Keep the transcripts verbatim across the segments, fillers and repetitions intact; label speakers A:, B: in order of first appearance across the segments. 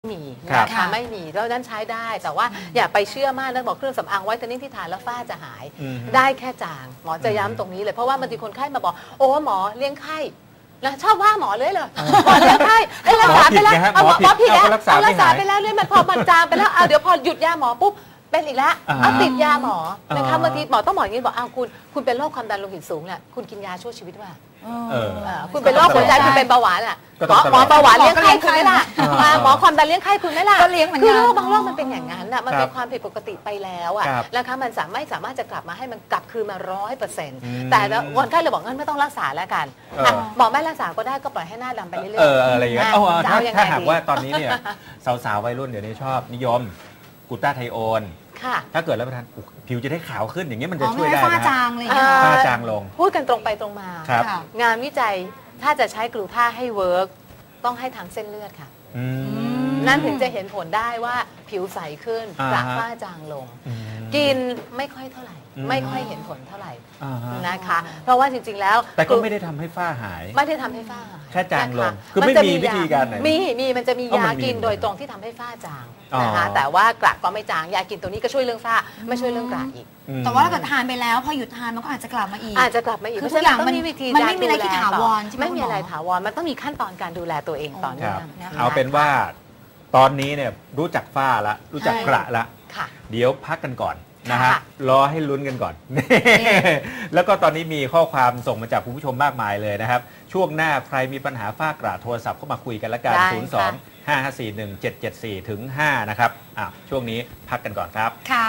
A: มีนะคะไม่มีแล้วนั้นใช้ได้แต่ว่าอย่าไปเชื่อมากนะบอกเครื่องสำอางไว้ตอนนี้ที่ทานแล้วฝ้าจะหายได้แค่จางหมอจะย้ำตรงนี้เลยเพราะว่าบางทีคนไข้มาบอกโอ้หมอเลี้ยงไข้นะชอบว่าหมอเลยเหรอหมอเลี้ยงไข้รักษาไปแล้วหมอผิดแล้วรักษาไปแล้วเนี่ยมันพอมันจางไปแล้วเอาเดี๋ยวพอหยุดยาหมอปุ๊บเป็นอีกแล้วเอาติดยาหมอนะคะบางทีหมอต้องบอกอย่างนี้บอกอ้าวคุณคุณเป็นโรคความดันโลหิตสูงเนี่ยคุณกินยาชั่วชีวิตว่าคุณเป็นโรคหัวใจคุณเป็นเบาหวานอ่ะหมอเบาหวานเลี้ยงไข้คุณไม่ล่ะหมอความดันเลี้ยงไข้คุณไม่ล่ะก็เลี้ยงเหมือนกันคือโรคบางโรคมันเป็นอย่างนั้นอ่ะมันเป็นความผิดปกติไปแล้วอ่ะนะคะมันสามารถสามารถจะกลับมาให้มันกลับคืนมาร้อยเปอร์เซ็นต์แต่คนไข้เลยบอกงั้นไม่ต้องรักษาแล้วกันหมอไม่รักษาก็ได้ก็ปล่อยให้หน้าดำไปเรื่อยๆ
B: อะไรอย่างเงี้ยถ้าหากว่าตอนนี้เนี่ยสาวๆวัยรุ่นเดี๋ยวนี้ชอบนิยมกลูตาไทโอนถ้าเกิดรับประทานผิวจะได้ขาวขึ้นอย่างเงี้ยมันจะช่วยได้นะฝ้าจางเลยฝ้าจางลง
A: พูดกันตรงไปตรงมางานวิจัยถ้าจะใช้กลูตาให้เวิร์กต้องให้ทางเส้นเลือดค่ะนั่นถึงจะเห็นผลได้ว่าผิวใสขึ้นกระฝ้าจางลงกินไม่ค่อยเท่าไหร่ไม่ค่อยเห็นผลเท่าไหร่นะคะเพราะว่าจริงๆแล้ว
B: แต่ก็ไม่ได้ทำให้ฝ้าหาย
A: ไม่ได้ทำให้ฝ้าหาย
B: แค่จางลงคือไม่มีวิธีการไหน
A: มีมีมันจะมียากินโดยตรงที่ทำให้ฝ้าจางนะคะแต่ว่ากระก็ไม่จางยากินตัวนี้ก็ช่วยเรื่องฝ้าไม่ช่วยเรื่องกระอีก
C: แต่ว่าถ้าเกิดทานไปแล้วพอหยุดทานมันก็อาจจะกลับมาอีก
A: อาจจะกลับมาอีก
C: คือทุกอย่างมันมันไม่มีอะไรที่ถาวรใช่ไหม
A: ไม่มีอะไรถาวรมันต้องมีขั้นตอนการดูแลตัวเองต่อเนื่อง
B: เอาเป็นว่าตอนนี้เนี่ยรู้จักฝ้าละรู้จักกระละเดี๋ยวพักกันก่อนนะฮะรอให้ลุ้นกันก่อนแล้วก็ตอนนี้มีข้อความส่งมาจากคุณผู้ชมมากมายเลยนะครับช่วงหน้าใครมีปัญหาฝ้ากระโทรศัพท์เข้ามาคุยกันละกันศูนย์ สอง ห้า ห้า สี่ หนึ่ง เจ็ด เจ็ด สี่ ถึง ห้านะครับอ่ะช่วงนี้พักกันก่อนครับ
C: ค่ะ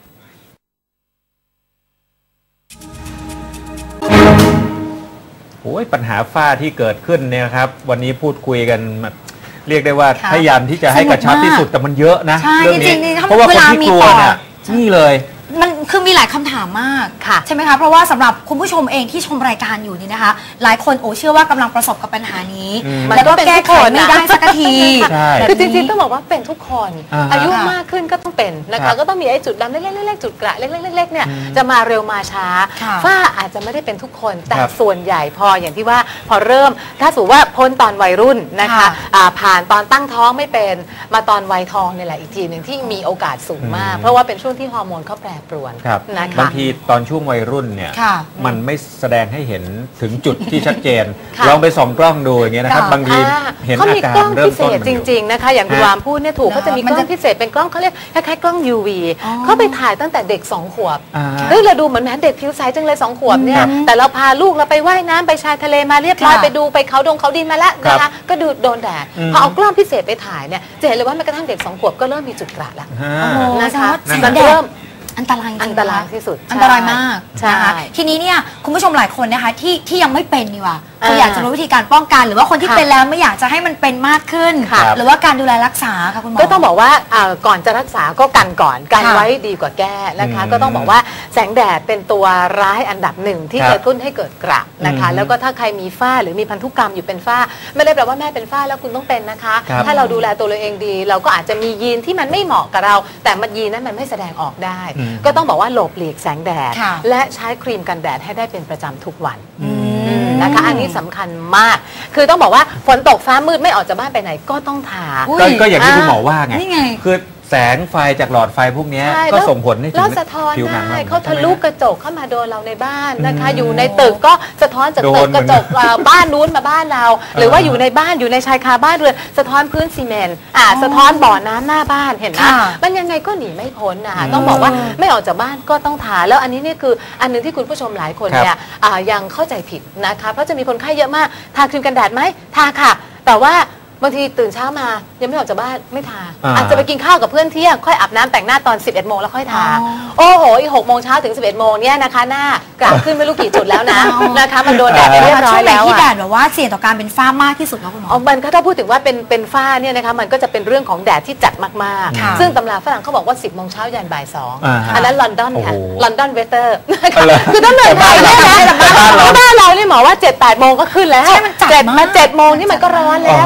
B: โอ้ยปัญหาฝ้าที่เกิดขึ้นเนี่ยครับวันนี้พูดคุยกันเรียกได้ว่าพยายามที่จะให้กระชับที่สุดแต่มันเยอะนะเรื่องนี้เพราะว่าคนที่กลัวเนี่ยนี่เลย
C: มันคือมีหลายคำถามมากใช่ไหมคะเพราะว่าสำหรับคุณผู้ชมเองที่ชมรายการอยู่นี่นะคะหลายคนโอ้เชื่อว่ากำลังประสบกับปัญหานี้แล้วก็แก้ไขไม่ได้สักที
A: คือจริงๆต้องบอกว่าเป็นทุกคนอายุมากขึ้นก็ต้องเป็นนะคะก็ต้องมีไอ้จุดดำเล็กๆๆจุดกระเล็กๆๆเนี่ยจะมาเร็วมาช้าฝ้าอาจจะไม่ได้เป็นทุกคนแต่ส่วนใหญ่พออย่างที่ว่าพอเริ่มถ้าสมมติว่าพ้นตอนวัยรุ่นนะคะผ่านตอนตั้งท้องไม่เป็นมาตอนวัยทองนี่แหละอีกทีหนึ่งที่มีโอกาสสูงมากเพราะว่าเป็นช่วงที่ฮอร์โมนเขาแปรปรวน
B: บางทีตอนช่วงวัยรุ่นเนี่ยมันไม่แสดงให้เห็นถึงจุดที่ชัดเจนลองไปส่องกล้องดูอย่างเงี้ยนะครับบางทีเห็นอาการเริ่มต้น
A: จริงๆนะคะอย่างคุณวามพูดเนี่ยถูกเขาจะมีกล้องพิเศษเป็นกล้องเขาเรียกคล้ายๆกล้อง ยู วี เขาไปถ่ายตั้งแต่เด็กสองขวบเฮ้ยเราดูเหมือนแม่เด็กผิวใสจังเลยสองขวบเนี่ยแต่เราพาลูกเราไปว่ายน้ำไปชายทะเลมาเรียบร้อยไปดูไปเขาดงเขาดินมาแล้วนะคะก็ดูโดนแดดพอเอากล้องพิเศษไปถ่ายเนี่ยจะเห็นเลยว่าแม้กระทั่งเด็กสองขวบก็เริ่มมีจุดกระแล้วนะคะมันเริ่ม
C: อันตราย
A: อันตรายที่สุด
C: อันตรายมากนะคะทีนี้เนี่ยคุณผู้ชมหลายคนนะคะที่ที่ยังไม่เป็นนี่ว่าคืออยากจะรู้วิธีการป้องกันหรือว่าคนที่เป็นแล้วไม่อยากจะให้มันเป็นมากขึ้นหรือว่าการดูแลรักษาค่ะคุณหมอ
A: ก็ต้องบอกว่าก่อนจะรักษาก็กันก่อนกันไว้ดีกว่าแก้นะคะก็ต้องบอกว่าแสงแดดเป็นตัวร้ายอันดับหนึ่งที่จะกระตุ้นให้เกิดกระนะคะแล้วก็ถ้าใครมีฝ้าหรือมีพันธุกรรมอยู่เป็นฝ้าไม่ได้แปลว่าแม่เป็นฝ้าแล้วคุณต้องเป็นนะคะถ้าเราดูแลตัวเราเองดีเราก็อาจจะมียีนที่มันไม่เหมาะกับเราแต่มันยีนนั้นมันไม่แสดงออกได้ก็ต้องบอกว่าหลบหลีกแสงแดดและใช้ครีมกันแดดให้ได้เป็นประจำทุกวันนะคะอันนี้สำคัญมากคือต้องบอกว่าฝนตกฟ้ามืดไม่ออกจากบ้านไปไหนก็ต้องทา
B: ก็อย่างที่คุณหมอว่าไงคือแสงไฟจากหลอดไฟพวกนี้ก็ส่งผลให้ถึงผิวหนัง
A: เขาทะลุกระจกเข้ามาโดนเราในบ้านนะคะอยู่ในตึกก็สะท้อนจากตึกกระจกบ้านนู้นมาบ้านเราหรือว่าอยู่ในบ้านอยู่ในชายคาบ้านเรือนสะท้อนพื้นซีเมนต์อ่าสะท้อนบ่อน้ำหน้าบ้านเห็นไหมมันยังไงก็หนีไม่พ้นนะคะต้องบอกว่าไม่ออกจากบ้านก็ต้องทาแล้วอันนี้นี่คืออันนึงที่คุณผู้ชมหลายคนเนี่ยยังเข้าใจผิดนะคะเพราะจะมีคนไข้เยอะมากทาครีมกันแดดไหมทาค่ะแต่ว่าบางทีตื่นเช้ามายังไม่ออกจากบ้านไม่ทาอาจจะไปกินข้าวกับเพื่อนเที่ยงค่อยอาบน้ำแต่งหน้าตอนสิบเอ็ดโมงแล้วค่อยทาโอ้โหอีกหกโมงเช้าถึงสิบเอ็ดโมงเนี่ยนะคะหน้ากระขึ้นไม่รู้กี่จุดแล้วนะนะคะมันโดนแดดไปเรียบร้อยแล้ว
C: ที่แดดแบบว่าเสี่ยงต่อการเป็นฝ้ามากที่สุดแล้วคุณหมอ
A: มันก็ถ้าพูดถึงว่าเป็นเป็นฝ้าเนี่ยนะคะมันก็จะเป็นเรื่องของแดดที่จัดมากๆซึ่งตำราฝรั่งเขาบอกว่าสิบโมงเช้ายันบ่ายสองอันนั้นลอนดอนค่ะลอนดอนเวเตอร์คือต้องเหนื่อยไปเนี่ยนะบ้านเราเนี่ยหมอว่าเจ็ดแปดโมงก็ขึ้นแล้วเจ็ดมาเจ็ดโมงนี่มันก็ร้อนแล้วนะคะ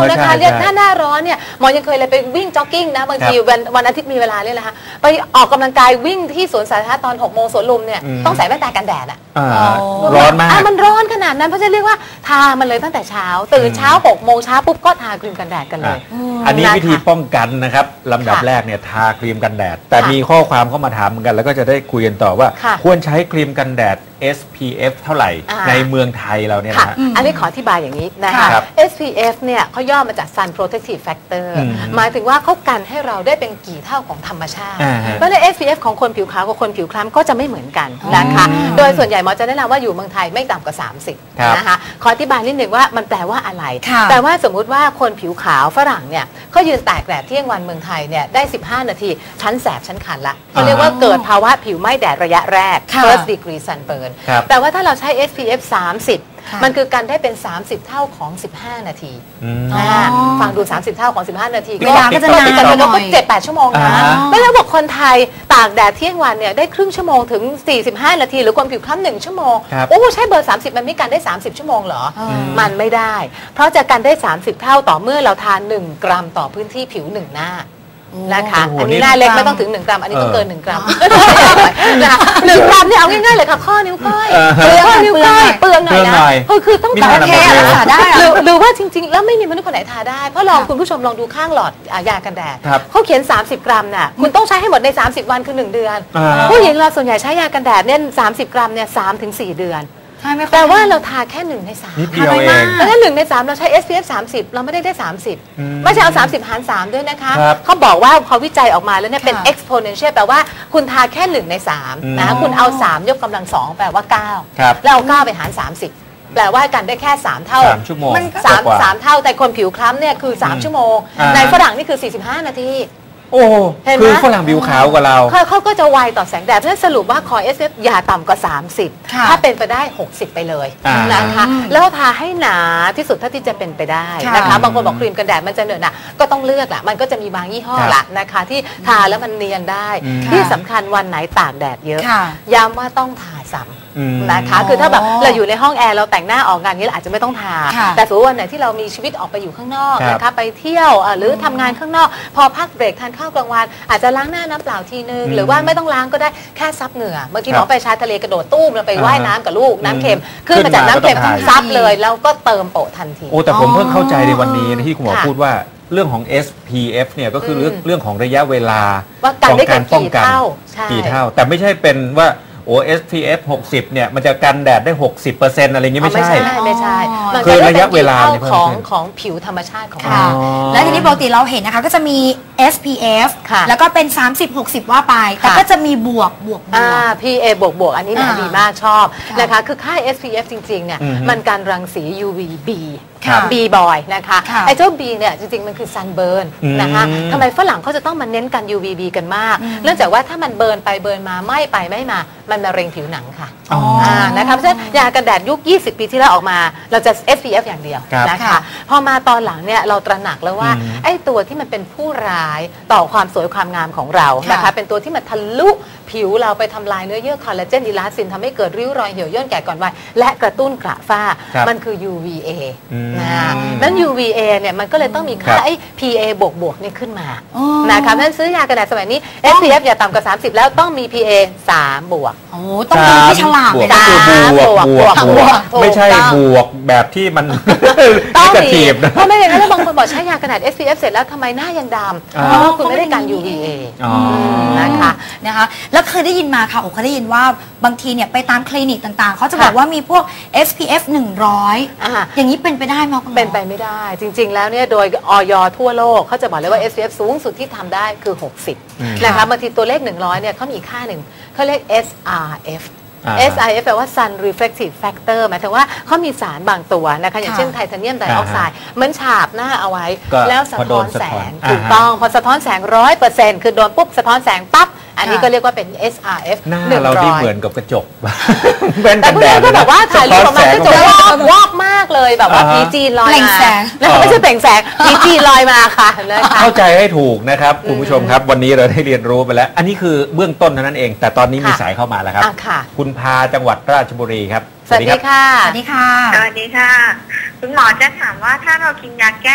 A: เนี่ยถ้าหน้าร้อนเนี่ยหมอยังเคยเลยไปวิ่งจ็อกกิ้งนะบางทีวันวันอาทิตย์มีเวลาเนี่ยแหละคะไปออกกำลังกายวิ่งที่สวนสาธารณะตอนหกโมงสวนลุมเนี่ยต้องใส่แว่นตากันแดดอ่ะ
B: ร้อนมาก
A: มันร้อนขนาดนั้นเพราะฉะนั้นเรียกว่าทามันเลยตั้งแต่เช้าตื่นเช้าหกโมงเช้าปุ๊บก็ทาครีมกันแดดกันเลย
B: อันนี้วิธีป้องกันนะครับลำดับแรกเนี่ยทาครีมกันแดดแต่มีข้อความเข้ามาถามเหมือนกันแล้วก็จะได้คุยกันต่อว่าควรใช้ครีมกันแดด เอส พี เอฟ เท่าไหร่ในเมืองไทยเราเนี่ยนะ
A: อันนี้ขออธิบายอย่างนี้นะคะ เอส พี เอฟ เนี่ยเขาย่อมาจาก Sun Protective Factor หมายถึงว่าเขากันให้เราได้เป็นกี่เท่าของธรรมชาติเพราะใน เอส พี เอฟ ของคนผิวขาวกับคนผิวคล้ำก็จะไม่เหมือนกันนะคะโดยส่วนใหญ่หมอจะแนะนำว่าอยู่เมืองไทยไม่ต่ำกว่าสามสิบนะคะขออธิบายนิดนึงว่ามันแปลว่าอะไรแปลว่าสมมุติว่าคนผิวขาวฝรั่งเนี่ยเขายืนตากแดดเที่ยงวันเมืองไทยเนี่ยได้สิบห้านาทีชั้นแสบชั้นคันละเขาเรียกว่าเกิดภาวะผิวไหม้แดดระยะแรก first degree sunburn แต่ว่าถ้าเราใช้ เอส พี เอฟ สามสิบมันคือกันได้เป็นสามสิบเท่าของสิบห้านาทีฟังดูสามสิบเท่าของสิบห้านาที
C: เวลาก็จะนาน
A: หน่อยเจ็ดแปดชั่วโมงนะแล้วเราบอกคนไทยตากแดดเที่ยงวันเนี่ยได้ครึ่งชั่วโมงถึงสี่สิบห้านาทีหรือคนผิวคล้ำหนึ่งชั่วโมงโอ้ใช้เบอร์สามสิบมันไม่กันได้สามสิบชั่วโมงเหรอมันไม่ได้เพราะจะกันได้สามสิบเท่าต่อเมื่อเราทานหนึ่งกรัมต่อพื้นที่ผิวหนึ่งหน้านะคะอันนี้หน้าเล็กไม่ต้องถึงหนึ่งกรัมอันนี้ต้องเกินหนึ่งกรัมนะคะหนึ่งกรัมเนี่ยเอาง่ายๆเลยค่ะข้อนิ้วก้อยข้อนิ้วก้อยเปลืองหน่อยนะคือคือต้องการแค่รักษาได้หรือว่าจริงๆแล้วไม่มีมนุษย์คนไหนทาได้เพราะลองคุณผู้ชมลองดูข้างหลอดยากันแดดเขาเขียนสามสิบกรัมน่ะคุณต้องใช้ให้หมดในสามสิบวันคือหนึ่งเดือนผู้หญิงเราส่วนใหญ่ใช้ยากันแดดเนี่ยสามสิบกรัมเนี่ยสามถึงสี่เดือนแต่ว่าเราทาแค่หนึ่งในสาม
B: ทาน้อยมาก
A: แล้วถ้าหนึ่งในสามเราใช้ เอส พี เอฟ สามสิบเราไม่ได้ได้สามสิบไม่ใช่เอาสามสิบหารสามด้วยนะคะเขาบอกว่าพอวิจัยออกมาแล้วเนี่ยเป็น exponential แปลว่าคุณทาแค่หนึ่งในสามนะคุณเอาสามยกกำลังสองแปลว่าเก้าแล้วเอาเก้าไปหารสามสิบแปลว่ากันได้แค่สามเท่า
B: สามชั่วโมง
A: สามสามเท่าแต่คนผิวคล้ำเนี่ยคือสามชั่วโมงในฝรั่งนี่คือสี่สิบห้านาที
B: โอ้คือฝรั่งผิวขาวกว่าเรา
A: เขาก็จะไวต่อแสงแดดเพราะฉะนั้นสรุปว่าคอ เอส พี เอฟ อย่าต่ำกว่าสามสิบถ้าเป็นไปได้หกสิบไปเลยนะคะแล้วทาให้หนาที่สุดเท่าที่จะเป็นไปได้นะคะบางคนบอกครีมกันแดดมันจะเหนอะหนะก็ต้องเลือกละมันก็จะมีบางยี่ห้อละนะคะที่ทาแล้วมันเนียนได้ที่สำคัญวันไหนตากแดดเยอะย้ำว่าต้องทาซ้ำนะคะคือถ้าแบบเราอยู่ในห้องแอร์เราแต่งหน้าออกงานนี้เราอาจจะไม่ต้องทาแต่สมมติวันไหนที่เรามีชีวิตออกไปอยู่ข้างนอกนะคะไปเที่ยวหรือทำงานข้างนอกพอพักเบรกทานข้าวกลางวันอาจจะล้างหน้าน้ำเปล่าทีนึงหรือว่าไม่ต้องล้างก็ได้แค่ซับเหงื่อเมื่อกี้หมอไปชายทะเลกระโดดตู้มเราไปว่ายน้ำกับลูกน้ำเค็มขึ้นมาจากน้ำเค็มซับเลยแล้วก็เติมโปะทันที
B: โอ้แต่ผมเพิ่งเข้าใจในวันนี้ที่คุณหมอพูดว่าเรื่องของ เอส พี เอฟ เนี่ยก็คือเรื่องเรื่องของระยะเวลา
A: ของการป้องกัน
B: กี่เท่าแต่ไม่ใช่เป็นว่าโอ้ เอส พี เอฟ หกสิบเนี่ยมันจะกันแดดได้ หกสิบเปอร์เซ็นต์ อะไรเงี้ยไม่ใช่
A: ไม่ใช่ไม่ใช่
B: คือระยะเวลา
A: ของของผิวธรรมชาติของเรา
C: และทีนี้ปกติเราเห็นนะคะก็จะมี เอส พี เอฟ แล้วก็เป็นสามสิบ หกสิบว่าไปแต่ก็จะมีบวกบวกบวก
A: พี เอ บวกบวกอันนี้ดีมากชอบนะคะคือค่า เอส พี เอฟ จริงๆเนี่ยมันการรังสี ยู วี บีB บอยนะคะไอ้เจ้า B เนี่ยจริงๆมันคือ sunburn นะคะทำไมฝรั่งเขาจะต้องมาเน้นกัน ยู วี บี กันมากเนื่องจากว่าถ้ามันเบิร์นไปเบิร์นมาไหม้ไปไหม้มามันมะเร็งผิวหนังค่ะนะคะเพราะฉะนั้นยากันแดดยุคยี่สิบปีที่แล้วออกมาเราจะ เอส พี เอฟ อย่างเดียวนะคะพอมาตอนหลังเนี่ยเราตระหนักแล้วว่าไอ้ตัวที่มันเป็นผู้ร้ายต่อความสวยความงามของเรานะคะเป็นตัวที่มันทะลุผิวเราไปทำลายเนื้อเยื่อคอลลาเจนอิลาสตินทำให้เกิดริ้วรอยเหี่ยวย่นแก่ก่อนวัยและกระตุ้นกระฝ้ามันคือ ยู วี เอ นะนั้น ยู วี เอ เนี่ยมันก็เลยต้องมีค่าไอ้ พี เอ บวกบวกนี่ขึ้นมานะคะนั้นซื้อยากันแดดสมัยนี้ เอส พี เอฟ อย่าต่ำกว่าสามสิบแล้วต้องมี พี เอ สามบวก
C: โอ้ต้องดูที่ฉลาก
B: เลยนะบวกบวกบวกไม่ใช่บวกแบบที่มัน
A: ต้องมีเพราะไม่อย่างนั้นแล้วบางคนบอกใช้ยากันแดด เอส พี เอฟ เสร็จแล้วทำไมหน้ายังดำเพราะว่าคุณไม่ได้การ ยู วี เอ
C: นะคะนะคะแล้วเคยได้ยินมาค่ะโอ้เคยได้ยินว่าบางทีเนี่ยไปตามคลินิกต่างๆเขาจะบอกว่ามีพวก เอส พี เอฟ หนึ่งร้อยอย่างนี้เป็นไปได้ไหมคุณหมอ
A: เป็นไปไม่ได้จริงๆแล้วเนี่ยโดยอย.ทั่วโลกเขาจะบอกเลยว่า เอส พี เอฟ สูงสุดที่ทำได้คือหกสิบนะคะบางทีตัวเลขหนึ่งร้อยเนี่ยเขามีค่าหนึ่งเขาเรียก เอส อาร์ เอฟเอส อาร์ เอฟ แปลว่า Sun Reflective Factor หมายถึงว่าเขามีสารบางตัวนะคะอย่างเช่นไทเทเนียมไดออกไซด์เหมือนฉาบหน้าเอาไว้แล้วสะท้อนแสงถูกต้องพอสะท้อนแสง ร้อยเปอร์เซ็นต์ คือโดนปุ๊บสะท้อนแสงปั๊บอันนี้ก็เรียกว่าเป็น เอส อาร์ เอฟ
B: หน้าเราที่เหมือนกับกระจก
A: แต่พวกนี้ก็แบบว่าถ่ายรูปออกมากระจกวอกวอกมากเลยแบบว่าพีจีลอยมาไม่ใช่เปล่งแสงพีจีลอยมาค่ะ
B: เข้าใจให้ถูกนะครับคุณผู้ชมครับวันนี้เราได้เรียนรู้ไปแล้วอันนี้คือเบื้องต้นเท่านั้นเองแต่ตอนนี้มีสายเข้ามาแล้วครับคุณพาจังหวัดราชบุรีครับ
A: สวัสดีค่ะ
C: สวัสดีค่ะ
D: สวัสดีค่ะคุณหมอจะถามว่าถ้าเรากินยาแก้แ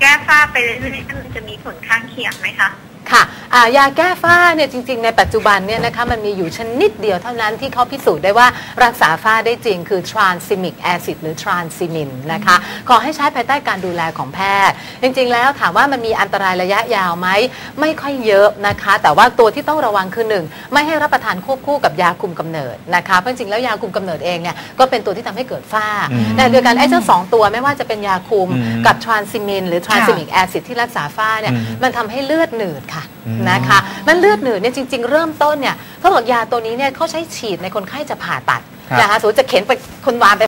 D: แก้ฝ้าไปเรื่อยๆมันจะมีผลข้างเคียงไหมคะ
A: ค่ะยาแก้ฝ้าเนี่ยจริงๆในปัจจุบันเนี่ยนะคะมันมีอยู่ชนิดเดียวเท่านั้นที่เขาพิสูจน์ได้ว่ารักษาฝ้าได้จริงคือ tranexamic acid หรือ tranexamin นะคะขอให้ใช้ภายใต้การดูแลของแพทย์จริงๆแล้วถามว่ามันมีอันตรายระยะยาวไหมไม่ค่อยเยอะนะคะแต่ว่าตัวที่ต้องระวังคือหนึ่งไม่ให้รับประทานควบคู่กับยาคุมกำเนิดนะคะเพราะจริงๆแล้วยาคุมกำเนิดเองเนี่ยก็เป็นตัวที่ทำให้เกิดฝ้าแต่เดียวกันไอ้เจ้าสองตัวไม่ว่าจะเป็นยาคุมกับ tranexamin หรือ tranexamic acid ที่รักษาฝ้าเนี่ยมันทำให้เลือดหนืดค่ะนะคะมันเลือดหนืดเนี่ยจริงๆเริ่มต้นเนี่ยเขาบอกยาตัวนี้เนี่ยเขาใช้ฉีดในคนไข้จะผ่าตัดนะคะสมมติจะเข็นไปคนวานไป